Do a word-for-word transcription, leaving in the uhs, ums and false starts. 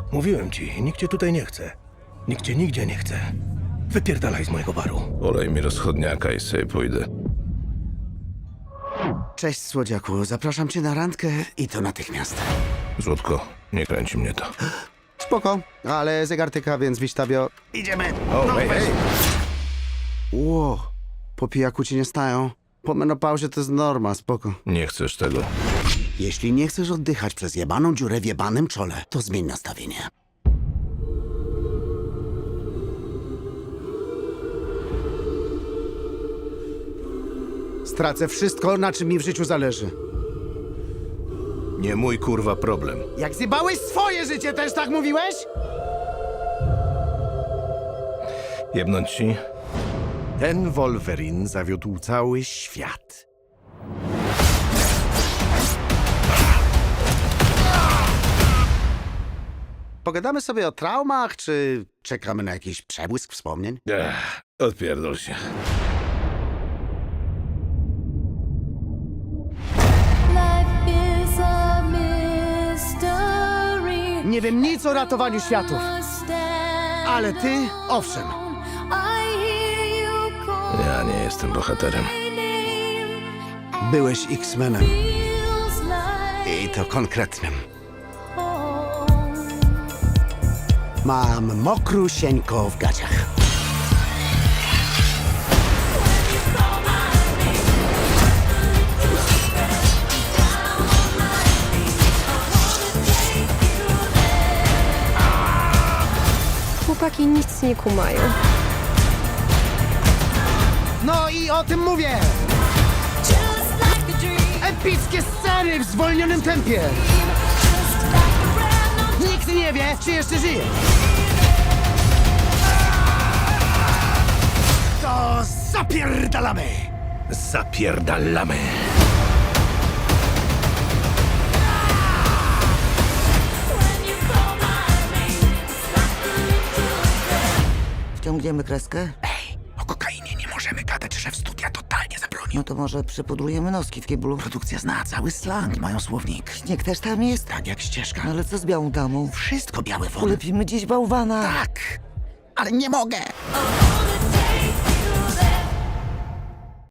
Mówiłem ci, nikt cię tutaj nie chce. Nikt cię nigdzie nie chce. Wypierdalaj z mojego baru. Olej mi rozchodniaka i sobie pójdę. Cześć, słodziaku. Zapraszam cię na randkę i to natychmiast. Złotko, nie kręci mnie to. Spoko, ale zegar tyka, więc wiśtabio. Idziemy! O, No, hej, weź. hej! Ło, po pijaku ci nie stają. Po menopauzie to jest norma, spoko. Nie chcesz tego. Jeśli nie chcesz oddychać przez jebaną dziurę w jebanym czole, to zmień nastawienie. Stracę wszystko, na czym mi w życiu zależy. Nie mój kurwa problem. Jak zjebałeś swoje życie, też tak mówiłeś? Jebnąć ci? Ten Wolverine zawiódł cały świat. Pogadamy sobie o traumach, czy czekamy na jakiś przebłysk wspomnień? Ech, odpierdol się. Life is a mystery. Nie wiem nic o ratowaniu światów, ale ty, owszem. Ja nie jestem bohaterem. Byłeś X-Menem i to konkretnym. Mam mokrusieńko w gaciach. Chłopaki nic nie kumają. No i o tym mówię! Epickie sceny w zwolnionym tempie! Nikt nie wie, czy jeszcze żyje. To zapierdalamy! Zapierdalamy. Wciągniemy kreskę? Ej, o kokainie nie możemy gadać, szef studia totalnie zabronił. No to może przypudrujemy noski w kiblu. Produkcja zna cały slang, mają słownik. Śnieg też tam jest? Tak jak ścieżka. Ale co z białą damą? Wszystko białe wody. Ulepimy dziś bałwana. Tak, ale nie mogę.